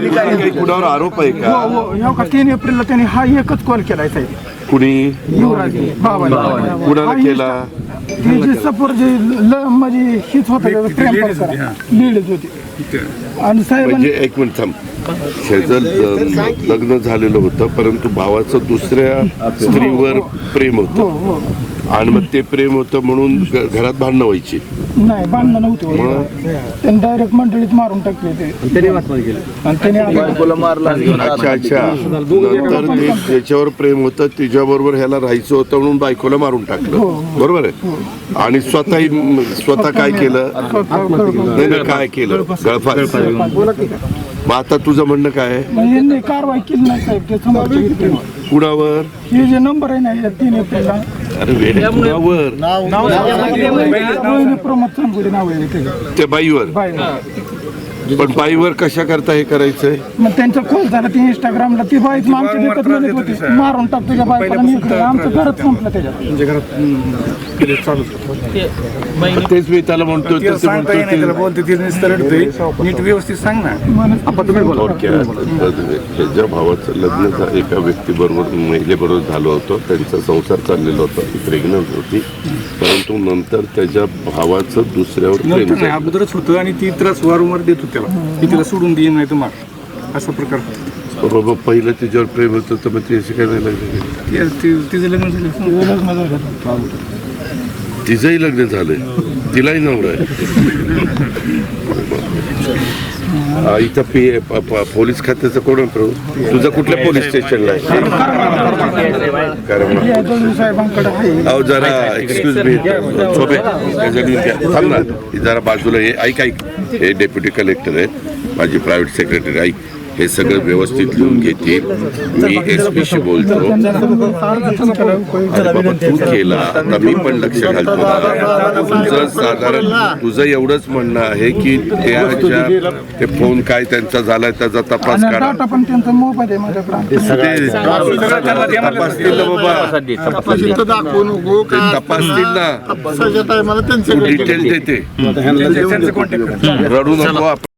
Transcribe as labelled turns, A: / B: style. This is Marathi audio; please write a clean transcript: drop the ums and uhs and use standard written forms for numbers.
A: काही कुणावर आरोप आहे का?
B: हो का 3 एप्रिलला त्यांनी हा एकच कॉल केलाय साहेब.
A: कुणी
B: युवराज बाबाला
A: कुणाला केला?
B: हे जे सपोर्ट जे म्हणजे हीच होतं प्रेम प्रकार लीडच होती. आणि साहेब
A: म्हणजे एक मिनिट थांब. त्याचं लग्न झालेलं होतं परंतु भावाचं दुसऱ्या स्त्रीवर प्रेम होतं आणि मग ते प्रेम होतं म्हणून घरात भांडणं व्हायची.
B: नाही भांडणं नव्हती. त्यांनी डायरेक्ट मंडळीत मारून टाकले ते आणि त्याने
C: मारला.
A: अच्छा अच्छा. नंतर ते त्याच्यावर प्रेम होतं तिच्याबरोबर ह्याला राहायचं होतं म्हणून बायकोला मारून टाकलं. बरोबर आहे. आणि स्वतः काय केलं? नाही काय केलं? गळफास. मग आता तुझं म्हणणं काय आहे?
B: यांनी कारवाई केली नाही साहेब. ते समोरचे
A: कुणावर?
B: हे जे नंबर आहे ना 3 एप्रिलला
A: अरे वेड्या कुणावर?
B: प्रमोद चांदगुडे नाव आहे
A: त्या बाईवर. पण बाईवर कशा करता हे करायचंय?
B: मग त्यांचा कॉल झाला ते इंस्टाग्रामला. ती बाईच आमच्या देखत म्हणत होती मारून टाक तुझ्या बायकोला. आमचं घरच संपलं त्याच्यात.
A: तेच मी त्याला म्हणतो
D: नीट व्यवस्थित सांग ना.
A: त्याच्या भावाचं लग्न एका व्यक्तीबरोबर महिलेबरोबर झालं होतं. त्यांचा संसार चाललेला होता. ती प्रेग्नंट होती परंतु नंतर त्याच्या भावाचं दुसऱ्यावर प्रेम झालं.
D: अगोदरच होतं आणि ती त्रास वारंवार देत होती त्याला. ती तिला सोडून देईन नाही तर मार असा प्रकार.
A: बाबा पहिलं तिच्यावर प्रेम होतं तर मग ती अशी काय नाही लागली?
D: तिचं लग्न झालं.
A: तिचंही लग्न झालंय. तिलाही नवरा आहे. इथं पोलीस खात्याचं कोण आहे? तुझं कुठल्या पोलीस स्टेशनला आहे? अहो जरा एक्सक्यूज मी थांब ना जरा बाजूला. हे ऐक हे डेप्युटी कलेक्टर आहेत माझी प्रायव्हेट सेक्रेटरी. ऐक हे सगळं व्यवस्थित लिहून घेतील. मी SP शी बोलतो. बाबा तू केला आता मी पण लक्ष घालतो. तुझं साधारण तुझं एवढंच म्हणणं आहे की ते फोन काय त्यांचा झालाय त्याचा तपास करा.
B: पण त्यांचा मोबाईल आहे माझ्याकडे.
A: तपासतील ना बाबा. तपासतील ना. डिटेल देते. रडू नको.